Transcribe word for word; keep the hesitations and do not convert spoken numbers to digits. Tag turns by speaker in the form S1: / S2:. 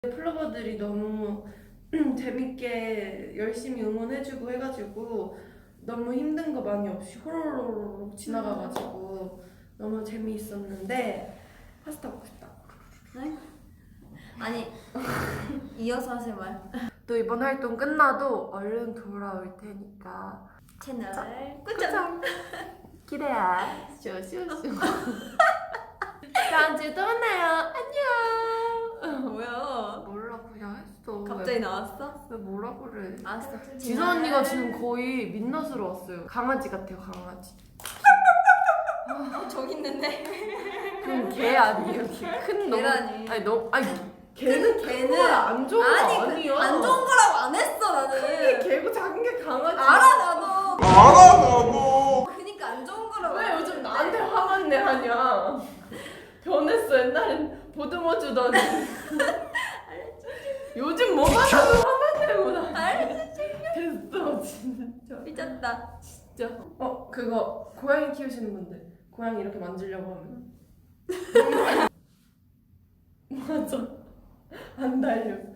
S1: 플로버들이 너무 재밌게 열심히 응원해주고 해가지고 너무 힘든 거 많이 없이 호로록 지나가가지고 너무 재미있었는데 파스타 먹고 싶다.
S2: 네? 아니 이어서 하실 말.
S1: 또 이번 활동 끝나도 얼른 돌아올 테니까
S2: 채널
S1: 꾸정.
S2: 꾸정.
S1: 기대해. 쇼쇼쇼. 다음 주에 또 만나요. 안녕.
S2: 뭐야?
S1: 몰라 그냥 했어.
S2: 갑자기 나왔어?
S1: 왜 뭐라 그래?
S2: 알았어.
S1: 지선 언니가 지금 거의 민낯으로 왔어요. 강아지 같아요, 강아지.
S2: 어, 저기 있는데.
S1: 그럼 개 아니에요? 큰 놈.
S2: 개라니.
S1: 아니 너 아니 개는
S2: 큰
S1: 개는
S2: 개는-
S1: 안 좋은 거
S2: 아니
S1: 아니야.
S2: 그, 안 좋은 거라고 안 했어 나는.
S1: 게 개고 작은 게 강아지.
S2: 알아 나도.
S3: 알아 나도.
S2: 그니까 안 좋은 거라고.
S1: 왜
S2: 안
S1: 요즘
S2: 했는데.
S1: 나한테 화만 내 하냐? 변했어. 옛날엔 보듬어 주더니. 요즘 뭐가 나도 화만 내고 나.
S2: 알지.
S1: 됐어 진짜.
S2: 삐졌다.
S1: 진짜. 어 그거 고양이 키우시는 분들 고양이 이렇게 만지려고 하면 맞아 안 달려.